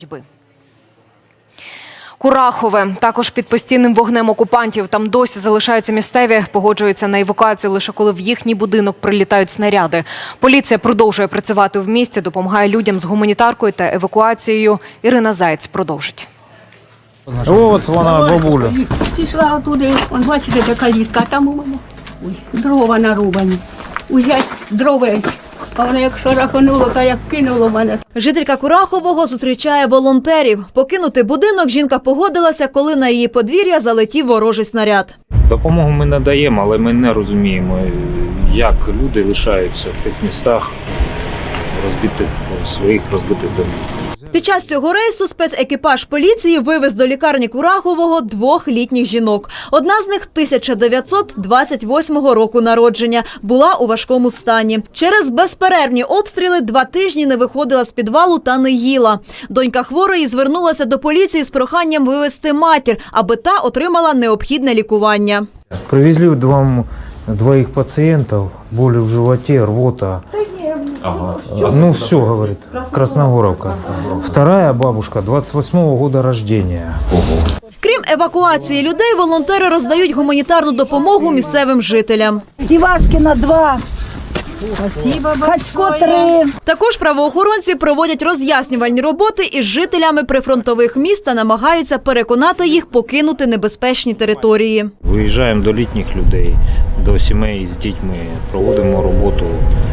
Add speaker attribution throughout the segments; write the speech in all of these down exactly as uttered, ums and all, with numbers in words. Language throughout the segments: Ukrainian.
Speaker 1: Курахове. Також під постійним вогнем окупантів. Там досі залишаються місцеві. Погоджуються на евакуацію лише коли в їхній будинок прилітають снаряди. Поліція продовжує працювати в місті, допомагає людям з гуманітаркою та евакуацією. Ірина Заєць продовжить.
Speaker 2: От вона, бабуля.
Speaker 3: Пішла туди, он, бачите, де калітка, там у мене ой, дрова нарубані. Узять дровець, а воно як шарахануло, та як кинуло мене.
Speaker 4: Жителька Курахового зустрічає волонтерів. Покинути будинок жінка погодилася, коли на її подвір'я залетів ворожий снаряд.
Speaker 2: Допомогу ми надаємо, але ми не розуміємо, як люди лишаються в тих містах розбитих, своїх розбитих домівках.
Speaker 4: Під час цього рейсу спецекіпаж поліції вивез до лікарні Курахового двох літніх жінок. Одна з них тисяча дев'ятсот двадцять восьмого року народження, була у важкому стані. Через безперервні обстріли два тижні не виходила з підвалу та не їла. Донька хворої звернулася до поліції з проханням вивезти матір, аби та отримала необхідне лікування.
Speaker 5: Привезли вам двоих пациентов, боли в животе, рвота.
Speaker 2: Ага.
Speaker 5: Ну все, говорит, Красногоровка. Вторая бабушка, двадцать восьмого года рождения.
Speaker 4: Крім евакуації людей, волонтери роздають гуманітарну допомогу місцевим жителям.
Speaker 6: Івашкіна два, Хацько три.
Speaker 4: Також правоохоронці проводять роз'яснювальні роботи із жителями прифронтових міст та намагаються переконати їх покинути небезпечні території.
Speaker 2: Виїжджаємо до літніх людей, до сімей з дітьми, проводимо роботу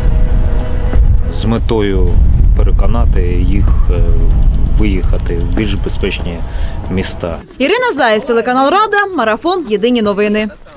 Speaker 2: з метою переконати їх виїхати в більш безпечні міста.
Speaker 4: Ірина Заєць, телеканал Рада, Марафон, Єдині новини.